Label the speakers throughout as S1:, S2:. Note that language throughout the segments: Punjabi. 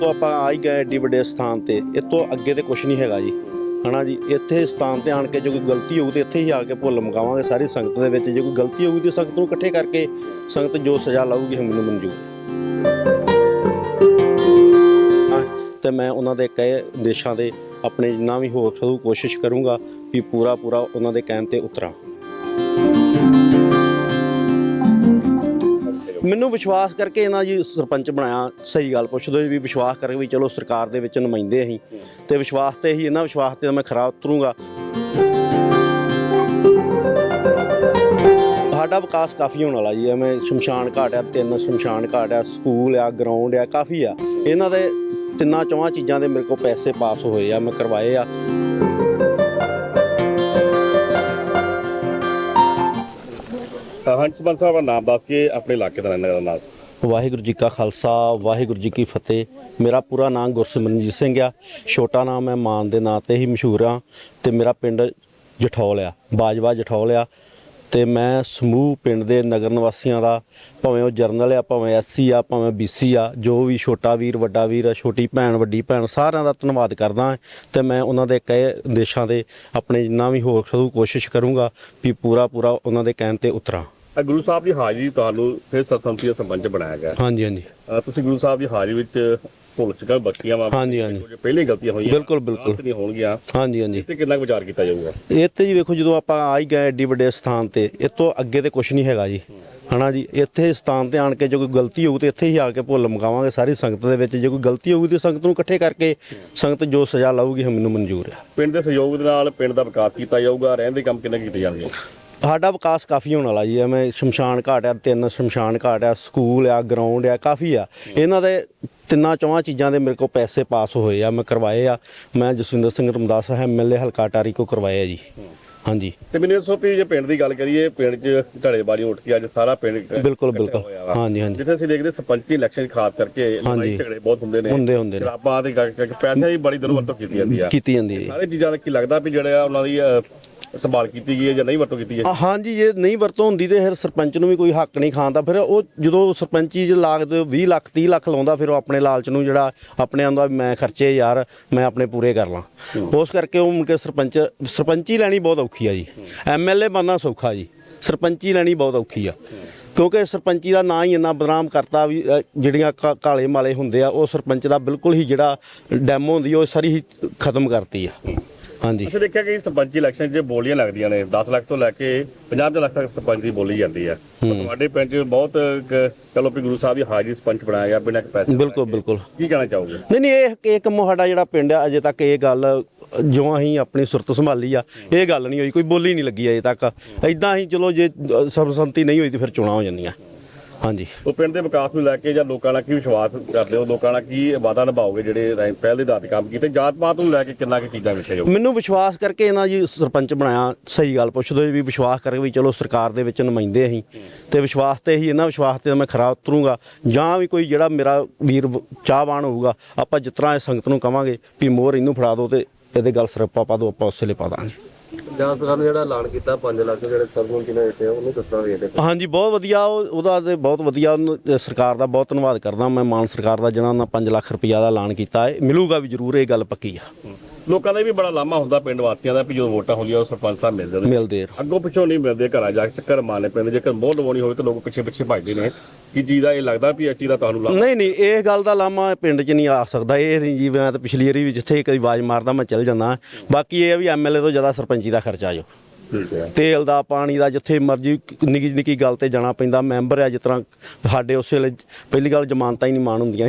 S1: तो आप आ ही गए एड्डी वड्डे स्थान ते इस तो अगे तो कुछ नहीं हैगा जी है ना जी। इत्थे स्थान ते आण के जो कोई गलती होगी तो इत्थे ही आके भुल मकावांगे सारी संगत दे विच। जो कोई गलती होगी तो संगत नूं इकट्ठे करके संगत जो सज़ा लाऊगी मैनूं मंजूर। तो मैं उन्हां दे कहे देशां दे अपने जिन्ना भी हो सकू कोशिश करूँगा भी पूरा उन्हां दे कहण ते उतरां। ਮੈਨੂੰ ਵਿਸ਼ਵਾਸ ਕਰਕੇ ਇਹਨਾਂ ਜੀ ਸਰਪੰਚ ਬਣਾਇਆ। ਸਹੀ ਗੱਲ ਪੁੱਛਦੇ ਵੀ ਵਿਸ਼ਵਾਸ ਕਰਕੇ ਵੀ ਚਲੋ ਸਰਕਾਰ ਦੇ ਵਿੱਚ ਨੁਮਾਇੰਦੇ ਅਸੀਂ ਤੇ ਵਿਸ਼ਵਾਸ ਤੇ ਹੀ ਇਹਨਾਂ ਵਿਸ਼ਵਾਸ ਤੇ ਮੈਂ ਖਰਾ ਉਤਰੂੰਗਾ। ਸਾਡਾ ਵਿਕਾਸ ਕਾਫੀ ਹੋਣ ਵਾਲਾ ਜੀ। ਐਵੇਂ ਸ਼ਮਸ਼ਾਨ ਘਾਟ ਆ, 3 ਸ਼ਮਸ਼ਾਨ ਘਾਟ ਆ, ਸਕੂਲ ਆ, ਗਰਾਊਂਡ ਆ, ਕਾਫੀ ਆ। ਇਹਨਾਂ ਦੇ 3-4 ਚੀਜ਼ਾਂ ਦੇ ਮੇਰੇ ਕੋਲ ਪੈਸੇ ਪਾਸ ਹੋਏ ਆ, ਮੈਂ ਕਰਵਾਏ ਆ।
S2: ਹਾਂਜੀ ਸਰਪੰਚ ਸਾਹਿਬ ਦਾ ਨਾਮ ਦੱਸ ਕੇ ਆਪਣੇ ਇਲਾਕੇ ਦਾ ਰਹਿਣ ਦਾ ਨਾਮ।
S1: ਵਾਹਿਗੁਰੂ ਜੀ ਕਾ ਖਾਲਸਾ ਵਾਹਿਗੁਰੂ ਜੀ ਕੀ ਫਤਿਹ। ਮੇਰਾ ਪੂਰਾ ਨਾਮ ਗੁਰਸਿਮਰਨਜੀਤ ਸਿੰਘ ਆ। ਛੋਟਾ ਨਾਮ ਮੈਂ ਮਾਨ ਦੇ ਨਾਂ ਤੇ ਹੀ ਮਸ਼ਹੂਰ ਆ ਤੇ ਮੇਰਾ ਪਿੰਡ ਜਠੌਲ ਆ, ਬਾਜਵਾ ਜਠੌਲ ਆ। ਤੇ ਮੈਂ ਸਮੂਹ ਪਿੰਡ ਦੇ ਨਗਰ ਨਿਵਾਸੀਆਂ ਦਾ, ਭਾਵੇਂ ਉਹ ਜਰਨਲ ਆ, ਭਾਵੇਂ ਐਸਸੀ ਆ, ਭਾਵੇਂ BC ਆ, ਜੋ ਵੀ ਛੋਟਾ ਵੀਰ ਵੱਡਾ ਵੀਰ, ਛੋਟੀ ਭੈਣ ਵੱਡੀ ਭੈਣ, ਸਾਰਿਆਂ ਦਾ ਧੰਨਵਾਦ ਕਰਦਾ। ਤੇ ਮੈਂ ਉਹਨਾਂ ਦੇ ਕਹੇ ਦੇਸ਼ਾਂ ਦੇ ਆਪਣੇ ਜਿੰਨਾ ਵੀ ਹੋ ਸਕੂ ਕੋਸ਼ਿਸ਼ ਕਰੂੰਗਾ ਵੀ ਪੂਰਾ ਉਹਨਾਂ ਦੇ ਕਹਿਣ ਤੇ ਉਤਰਾਂ।
S2: ਗੁਰੂ ਸਾਹਿਬ ਦੀ ਹਾਜ਼ਰੀ ਤੁਹਾਨੂੰ ਫਿਰ ਸਰਪੰਚੀ ਦਾ ਸਰਪੰਚ ਬਣਾਇਆ ਗਿਆ।
S1: ਹਾਂਜੀ ਹਾਂਜੀ।
S2: ਤੁਸੀਂ ਗੁਰੂ ਸਾਹਿਬ ਦੀ ਹਾਜ਼ਰੀ ਵਿੱਚ ਭੁੱਲ ਚੁੱਕਾ ਬਖਸ਼ੀਆਂ ਵਾ। ਹਾਂਜੀ ਹਾਂਜੀ। ਪਹਿਲੀ ਗਲਤੀਆਂ ਹੋਈਆਂ
S1: ਬਿਲਕੁਲ
S2: ਨਹੀਂ ਹੋਣਗੀਆਂ।
S1: ਹਾਂਜੀ ਹਾਂਜੀ।
S2: ਤੇ ਕਿੰਨਾ ਵਿਚਾਰ ਕੀਤਾ ਜਾਊਗਾ
S1: ਇਹ ਤੇ ਜੀ? ਵੇਖੋ ਜਦੋਂ ਆਪਾਂ ਆ ਹੀ ਗਏ ਐਡੀ ਵੱਡੇ ਸਥਾਨ ਤੇ ਇਸ ਤੋਂ ਅੱਗੇ ਤੇ ਕੁਝ ਨਹੀਂ ਹੈਗਾ ਜੀ ਹੈ ਨਾ ਜੀ। ਇੱਥੇ ਸਥਾਨ ਤੇ ਆਣ ਕੇ ਜੋ ਕੋਈ ਗਲਤੀ ਹੋਊ ਤੇ ਇੱਥੇ ਹੀ ਆ ਕੇ ਭੁੱਲ ਮਕਾਵਾਂਗੇ ਸਾਰੀ ਸੰਗਤ ਦੇ ਵਿੱਚ। ਜੇ ਕੋਈ ਗਲਤੀ ਹੋਊਗੀ ਤੇ ਸੰਗਤ ਨੂੰ ਇਕੱਠੇ ਕਰਕੇ ਸੰਗਤ ਜੋ ਸਜ਼ਾ ਲਾਊਗੀ ਮੈਨੂੰ ਮਨਜ਼ੂਰ ਹੈ।
S2: ਪਿੰਡ ਦੇ ਸਹਿਯੋਗ ਦੇ ਨਾਲ ਪਿੰਡ ਦਾ ਵਿਕਾਸ ਕੀਤਾ ਜਾਊਗਾ। ਰਹਿਣ ਦੇ ਕੰਮ ਕਿੰਨੇ ਕੀਤੇ ਜਾਣਗੇ?
S1: ਸਾਡਾ ਵਿਕਾਸ ਕਾਫੀ ਹੋਣ ਵਾਲਾ ਜੀ। ਐਵੇਂ ਸ਼ਮਸ਼ਾਨ ਘਾਟ ਆ, 3 ਸ਼ਮਸ਼ਾਨ ਘਾਟ ਆ, ਸਕੂਲ ਆ, ਗਰਾਊਂਡ ਆ, ਕਾਫੀ ਆ। ਇਹਨਾਂ ਦੇ 3-4 ਚੀਜ਼ਾਂ ਦੇ ਮੇਰੇ ਕੋਲ ਪੈਸੇ ਪਾਸ ਹੋਏ ਆ, ਮੈਂ ਕਰਵਾਏ ਆ। ਮੈਂ ਜਸਵਿੰਦਰ ਸਿੰਘ ਰਮਦਾਸ MLA ਹਲਕਾ ਟਾਰੀ ਕੋ ਕਰਵਾਏ ਆ ਜੀ। ਹਾਂਜੀ। ਤੇ
S2: ਮੈਨੂੰ ਦੱਸੋ ਵੀ ਜੇ ਪਿੰਡ ਦੀ ਗੱਲ ਕਰੀਏ, ਪਿੰਡ 'ਚ ਢੜੇਬਾਜ਼ੀ ਉੱਠ ਕੇ ਅੱਜ ਸਾਰਾ ਪਿੰਡ
S1: ਬਿਲਕੁਲ ਹਾਂਜੀ ਹਾਂਜੀ।
S2: ਜਿੱਥੇ ਅਸੀਂ ਦੇਖਦੇ ਸਰਪੰਚੀ ਇਲੈਕਸ਼ਨ ਖਾਸ ਕਰਕੇ ਲੜਾਈ ਝਗੜੇ ਬਹੁਤ ਹੁੰਦੇ ਨੇ ਸ਼ਰਾਬਾਂ ਦੇ ਪੈਸਿਆਂ ਦੀ ਬੜੀ ਦੁਰਵਰਤੋਂ ਕੀਤੀ ਜਾਂਦੀ ਹੈ। ਸਾਰੇ ਚੀਜ਼ਾਂ ਦਾ ਕੀ ਲੱਗਦਾ ਵੀ ਜਿਹੜਾ ਉਹਨਾਂ ਦੀ ਸੰਭਾਲ ਕੀਤੀ ਗਈ ਹੈ ਜਾਂ ਨਹੀਂ ਵਰਤੋਂ ਕੀਤੀ ਹੈ? ਹਾਂਜੀ,
S1: ਜੇ ਨਹੀਂ ਵਰਤੋਂ ਹੁੰਦੀ ਤੇ ਫਿਰ ਸਰਪੰਚ ਨੂੰ ਵੀ ਕੋਈ ਹੱਕ ਨਹੀਂ ਖਾਣ ਦਾ। ਫਿਰ ਉਹ ਜਦੋਂ ਸਰਪੰਚੀ 'ਚ ਲਾਗਦੇ 20 ਲੱਖ 30 ਲੱਖ ਲਾਉਂਦਾ, ਫਿਰ ਉਹ ਆਪਣੇ ਲਾਲਚ ਨੂੰ ਜਿਹੜਾ ਆਪਣੇ ਆਉਂਦਾ ਮੈਂ ਖਰਚੇ ਯਾਰ ਮੈਂ ਆਪਣੇ ਪੂਰੇ ਕਰ ਲਾਂ। ਉਸ ਕਰਕੇ ਉਹ ਮੁੜ ਕੇ ਸਰਪੰਚੀ ਲੈਣੀ ਬਹੁਤ ਔਖੀ ਆ ਜੀ। MLA ਬਣਨਾ ਸੌਖਾ ਜੀ, ਸਰਪੰਚੀ ਲੈਣੀ ਬਹੁਤ ਔਖੀ ਆ। ਕਿਉਂਕਿ ਸਰਪੰਚੀ ਦਾ ਨਾਂ ਹੀ ਇੰਨਾ ਬਦਨਾਮ ਕਰਤਾ ਵੀ ਜਿਹੜੀਆਂ ਕਾਲੇ ਮਾਲੇ ਹੁੰਦੇ ਆ ਉਹ ਸਰਪੰਚ ਦਾ ਬਿਲਕੁਲ ਹੀ ਜਿਹੜਾ ਡੈਮੋ ਹੁੰਦੀ ਉਹ ਸਾਰੀ ਹੀ ਖਤਮ ਕਰਤੀ ਆ। ਹਾਂਜੀ।
S2: ਅਸੀਂ ਦੇਖਿਆ ਕਿ ਸਰਪੰਚੀ ਇਲੈਕਸ਼ਨ 'ਚ ਬੋਲੀਆਂ ਲੱਗਦੀਆਂ ਨੇ 10 ਲੱਖ ਤੋਂ ਲੈ ਕੇ 50 ਲੱਖ ਤੱਕ ਸਰਪੰਚ ਦੀ ਬੋਲੀ ਜਾਂਦੀ ਹੈ। ਤੁਹਾਡੇ ਪਿੰਡ 'ਚ ਬਹੁਤ ਚਲੋ ਵੀ ਗੁਰੂ ਸਾਹਿਬ ਦੀ ਹਾਜ਼ਰੀ ਸਰਪੰਚ ਬਣਾਇਆ ਗਿਆ ਬਿਨਾਂ ਪੈਸੇ।
S1: ਬਿਲਕੁਲ। ਕੀ
S2: ਕਹਿਣਾ ਚਾਹੋਗੇ?
S1: ਨਹੀਂ ਇਹ ਕੰਮ ਸਾਡਾ ਜਿਹੜਾ ਪਿੰਡ ਆ ਅਜੇ ਤੱਕ ਇਹ ਗੱਲ ਜੋ ਅਸੀਂ ਆਪਣੀ ਸੁਰਤ ਸੰਭਾਲੀ ਆ ਇਹ ਗੱਲ ਨਹੀਂ ਹੋਈ, ਕੋਈ ਬੋਲੀ ਨਹੀਂ ਲੱਗੀ ਅਜੇ ਤੱਕ। ਇਦਾਂ ਹੀ ਚਲੋ ਜੇ ਸਰਬਸੰਮਤੀ ਨਹੀਂ ਹੋਈ ਤੇ ਫਿਰ ਚੋਣਾਂ ਹੋ ਜਾਂਦੀਆਂ। ਹਾਂਜੀ। ਉਹ
S2: ਪਿੰਡ ਦੇ ਵਿਕਾਸ ਨੂੰ ਲੈ ਕੇ ਜਾਂ ਲੋਕਾਂ ਨਾਲ ਕੀ ਵਿਸ਼ਵਾਸ ਕਰਦੇ ਹੋ? ਲੋਕਾਂ ਨਾਲ ਕੀ ਵਾਅਦਾ ਨਿਭਾਓਗੇ ਜਿਹੜੇ ਪਹਿਲ ਦੇ ਆਧਾਰ ਤੇ ਕੰਮ ਕੀਤੇ? ਜਾਤ ਪਾਤ ਨੂੰ ਲੈ ਕੇ ਕਿੰਨਾ ਕੁ ਚੀਜ਼ਾਂ ਵੇਖਿਆ ਜਾਊ?
S1: ਮੈਨੂੰ ਵਿਸ਼ਵਾਸ ਕਰਕੇ ਇਹਨਾਂ ਜੀ ਸਰਪੰਚ ਬਣਾਇਆ। ਸਹੀ ਗੱਲ ਪੁੱਛਦੇ ਵੀ ਵਿਸ਼ਵਾਸ ਕਰਕੇ ਵੀ ਚਲੋ ਸਰਕਾਰ ਦੇ ਵਿੱਚ ਨੁਮਾਇੰਦੇ ਅਸੀਂ ਤੇ ਵਿਸ਼ਵਾਸ ਤੇ ਹੀ ਇਹਨਾਂ ਵਿਸ਼ਵਾਸ ਤੇ ਮੈਂ ਖਰਾ ਉਤਰੂੰਗਾ। ਜਾਂ ਵੀ ਕੋਈ ਜਿਹੜਾ ਮੇਰਾ ਵੀਰ ਚਾਹਵਾਨ ਹੋਊਗਾ ਆਪਾਂ ਜਿਸ ਤਰ੍ਹਾਂ ਇਹ ਸੰਗਤ ਨੂੰ ਕਵਾਂਗੇ ਵੀ ਮੋਹਰ ਇਹਨੂੰ ਫੜਾ ਦਿਓ ਤੇ ਇਹਦੇ ਗੱਲ ਸਿਰਪਾ ਪਾ ਦਿਓ, ਆਪਾਂ ਉਸੇ ਲਈ ਪਾ ਦਾਂਗੇ।
S2: ਜਾਂ ਸਰਕਾਰ ਨੇ ਜਿਹੜਾ ਐਲਾਨ ਕੀਤਾ 5 ਲੱਖ ਜਿਹੜੇ ਸਰਪੰਚ ਨੇ ਦਿੱਤੇ ਉਹਨੂੰ ਕਿਸ ਤਰ੍ਹਾਂ ਵੇਖਦੇ?
S1: ਹਾਂਜੀ, ਬਹੁਤ ਵਧੀਆ। ਉਹਦਾ ਤੇ ਬਹੁਤ ਵਧੀਆ। ਉਹਨੂੰ ਸਰਕਾਰ ਦਾ ਬਹੁਤ ਧੰਨਵਾਦ ਕਰਦਾ ਮੈਂ। ਮਾਨ ਸਰਕਾਰ ਦਾ ਜਿਹਨਾਂ ਉਹਨਾਂ 5 ਲੱਖ ਰੁਪਈਆ ਦਾ ਐਲਾਨ ਕੀਤਾ ਹੈ, ਮਿਲੂਗਾ ਵੀ ਜ਼ਰੂਰ, ਇਹ ਗੱਲ ਪੱਕੀ ਆ।
S2: ਲੋਕਾਂ ਦਾ ਵੀ ਬੜਾ ਲਾਮਾ ਹੁੰਦਾ ਪਿੰਡ ਵਾਸੀਆਂ ਦਾ ਵੀ ਜਦੋਂ ਵੋਟਾਂ ਹੁੰਦੀਆਂ ਉਹ ਸਰਪੰਚ ਸਾਹਿਬ ਮਿਲਦੇ ਅੱਗੋਂ ਪਿੱਛੋਂ ਨਹੀਂ ਮਿਲਦੇ, ਘਰਾਂ ਜਾ ਕੇ ਚੱਕਰ ਮਾਰਨੇ ਪੈਂਦੇ। ਜੇਕਰ ਮੋਹ ਲਵਾਉਣੀ ਹੋਵੇ ਤਾਂ ਲੋਕ ਪਿੱਛੇ ਭੱਜਦੇ ਨੇ। ਕੀ ਚੀਜ਼ ਦਾ ਇਹ ਲੱਗਦਾ ਵੀ ਇਹ ਚੀਜ਼ ਦਾ ਤੁਹਾਨੂੰ ਲਾਮਾ? ਨਹੀਂ ਇਹ ਗੱਲ ਦਾ ਲਾਮਾ ਪਿੰਡ 'ਚ ਨਹੀਂ ਆ ਸਕਦਾ। ਇਹ ਨਹੀਂ ਜੀ, ਮੈਂ ਤਾਂ ਪਿਛਲੀ ਵਾਰੀ ਵੀ ਜਿੱਥੇ ਕਦੀ ਆਵਾਜ਼ ਮਾਰਦਾ ਮੈਂ ਚੱਲ ਜਾਂਦਾ। ਬਾਕੀ ਇਹ ਵੀ MLA ਤੋਂ ਜ਼ਿਆਦਾ ਸਰਪੰਚੀ ਦਾ ਖਰਚਾ ਜੋ ਤੇਲ ਦਾ ਪਾਣੀ ਦਾ ਜਿੱਥੇ ਮਰਜ਼ੀ ਨਿੱਕੀ ਗੱਲ ਤੇ ਜਾਣਾ ਪੈਂਦਾ। ਮੈਂਬਰ ਆ ਜਿਸ ਤਰ੍ਹਾਂ ਸਾਡੇ ਉਸ ਵੇਲੇ ਪਹਿਲੀ ਗੱਲ ਜ਼ਮਾਨਤਾਂ ਹੀ ਨਹੀਂ ਮਾਣ ਹੁੰਦੀਆਂ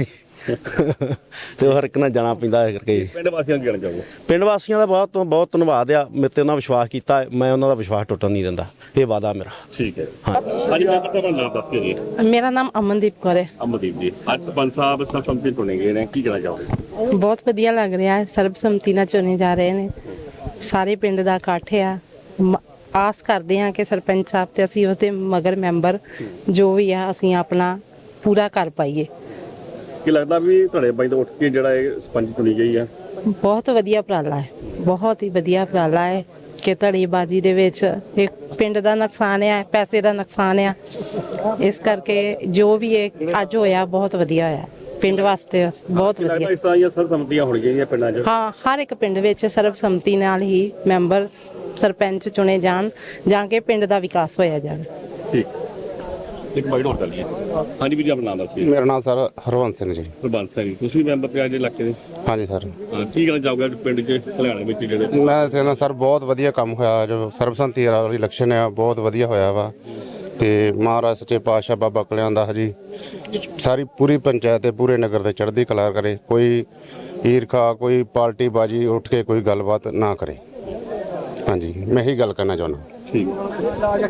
S2: ਤੇ ਹਰ ਇੱਕ ਨਾਲ ਜਾਣਾ ਪੈਂਦਾ ਕਰਕੇ। ਪਿੰਡ ਵਾਸੀਆਂ ਨੂੰ ਕਹਿਣਾ ਚਾਹੋਗੇ?
S1: ਪਿੰਡ ਵਾਸੀਆਂ ਦਾ ਬਹੁਤ ਧੰਨਵਾਦ ਆ। ਮੇਰੇ ਤੇ ਉਹਨਾਂ ਵਿਸ਼ਵਾਸ ਕੀਤਾ, ਮੈਂ ਉਹਨਾਂ ਦਾ ਵਿਸ਼ਵਾਸ ਟੁੱਟਣ ਨਹੀਂ ਦਿੰਦਾ। ਇਹ ਵਾਅਦਾ ਮੇਰਾ।
S2: ਠੀਕ ਹੈ। ਹਾਂਜੀ, ਮੈਂ ਤੁਹਾਡਾ ਨਾਮ ਦੱਸ ਕੇ ਜੀ।
S3: ਮੇਰਾ ਨਾਮ ਅਮਨਦੀਪ ਕੌਰ ਹੈ।
S2: ਅਮਨਦੀਪ ਜੀ, ਅੱਜ ਸਰਪੰਚ ਸਾਹਿਬ ਸਰਬਸੰਮਤੀ ਚੁਣੇ ਗਏ ਨੇ, ਕੀ ਕਹਿਣਾ ਚਾਹੋਗੇ?
S3: ਬਹੁਤ ਵਧੀਆ ਲੱਗ ਰਿਹਾ ਹੈ। ਸਰਬਸੰਮਤੀ ਨਾਲ ਚੁਣੇ ਜਾ ਰਹੇ ਨੇ। ਸਾਰੇ ਪਿੰਡ ਦਾ ਇਕੱਠ ਆ। ਆਸ ਕਰਦੇ ਹਾਂ ਕਿ ਸਰਪੰਚ ਸਾਹਿਬ ਤੇ ਅਸੀਂ ਉਸਦੇ ਮਗਰ ਮੈਂਬਰ ਜੋ ਵੀ ਆ ਅਸੀਂ ਆਪਣਾ ਪੂਰਾ ਕਰ ਪਾਈਏ।
S2: ਕੀ ਲੱਗਦਾ ਵੀ ਤੁਹਾਡੇ ਬਾਈ ਤੋਂ ਉੱਠ ਕੇ ਜਿਹੜਾ ਇਹ ਸਰਪੰਚ ਚੁਣੀ ਗਈ ਆ?
S3: ਬਹੁਤ ਵਧੀਆ ਉਪਰਾਲਾ ਹੈ, ਬਹੁਤ ਹੀ ਵਧੀਆ ਉਪਰਾਲਾ ਹੈ ਕਿ ਧੜੇਬਾਜ਼ੀ ਦੇ ਵਿੱਚ ਇੱਕ ਪਿੰਡ ਦਾ ਨੁਕਸਾਨ ਹੈ, ਪੈਸੇ ਦਾ ਨੁਕਸਾਨ ਹੈ। ਇਸ ਕਰਕੇ ਜੋ ਵੀ ਇਹ ਅੱਜ ਹੋਇਆ ਬਹੁਤ ਵਧੀਆ ਹੋਇਆ। ਪਿੰਡ ਵਾਸਤੇ ਬਹੁਤ
S2: ਲੱਗਦਾ
S3: ਵਧੀਆ।
S2: ਇਸ ਤਰ੍ਹਾਂ ਦੀਆਂ ਸਰਬਸੰਮਤੀਆਂ ਹੋਣੀਆਂ ਚਾਹੀਦੀਆਂ ਪਿੰਡਾਂ 'ਚ।
S3: ਹਾਂ, ਹਰ ਇੱਕ ਪਿੰਡ ਵਿੱਚ ਸਰਬਸੰਮਤੀ ਨਾਲ ਹੀ ਮੈਂਬਰ ਸਰਪੰਚ ਚੁਣੇ ਜਾਣ, ਜਾਂ ਕਿ ਪਿੰਡ ਦਾ ਵਿਕਾਸ ਹੋਇਆ ਜਾਵੇ।
S2: ਠੀਕ, ਇੱਕ ਬਾਈਟ ਹੋਰ ਕਰ ਲਈਏ। ਹਾਂਜੀ ਵੀਰ ਜੀ, ਆਪਣਾ ਨਾਮ ਦੱਸਿਏ।
S4: ਮੇਰਾ ਨਾਮ ਸਰ ਹਰਵੰਤ ਸਿੰਘ ਜੀ।
S2: ਹਰਬੰਸ ਸਿੰਘ, ਤੁਸੀਂ ਵੀ ਮੈਂਬਰ ਪਿਆ ਜੇ ਇਲਾਕੇ ਦੇ?
S4: ਹਾਂਜੀ ਸਰ।
S2: ਹਾਂ, ਕੀ ਕਹਿਣਾ ਚਾਹੋਗੇ ਪਿੰਡ 'ਚ ਹਰਿਆਣੇ ਵਿੱਚ ਜਿਹੜੇ
S4: ਮੈਂ ਇੱਥੇ ਨਾ ਸਰ ਬਹੁਤ ਵਧੀਆ ਕੰਮ ਹੋਇਆ, ਜੋ ਸਰਬਸੰਮਤੀ ਵਾਲੀ ਇਲੈਕਸ਼ਨ ਆ ਬਹੁਤ ਵਧੀਆ ਹੋਇਆ ਵਾ, ਤੇ ਮਹਾਰਾਜ ਸੱਚੇ ਪਾਤਸ਼ਾਹ ਬਾਬਾ ਕਲਿਆਣ ਦਾ ਜੀ ਸਾਰੀ ਪੂਰੀ ਪੰਚਾਇਤ ਤੇ ਪੂਰੇ ਨਗਰ ਤੇ ਚੜ੍ਹਦੀ ਕਲਾ ਕਰੇ, ਕੋਈ ਈਰਖਾ ਕੋਈ ਪਾਰਟੀ ਬਾਜੀ ਉੱਠ ਕੇ ਕੋਈ ਗੱਲਬਾਤ ਨਾ ਕਰੇ। ਹਾਂਜੀ, ਮੈਂ ਇਹੀ ਗੱਲ ਕਰਨਾ ਚਾਹੁੰਦਾ।
S2: ਠੀਕ।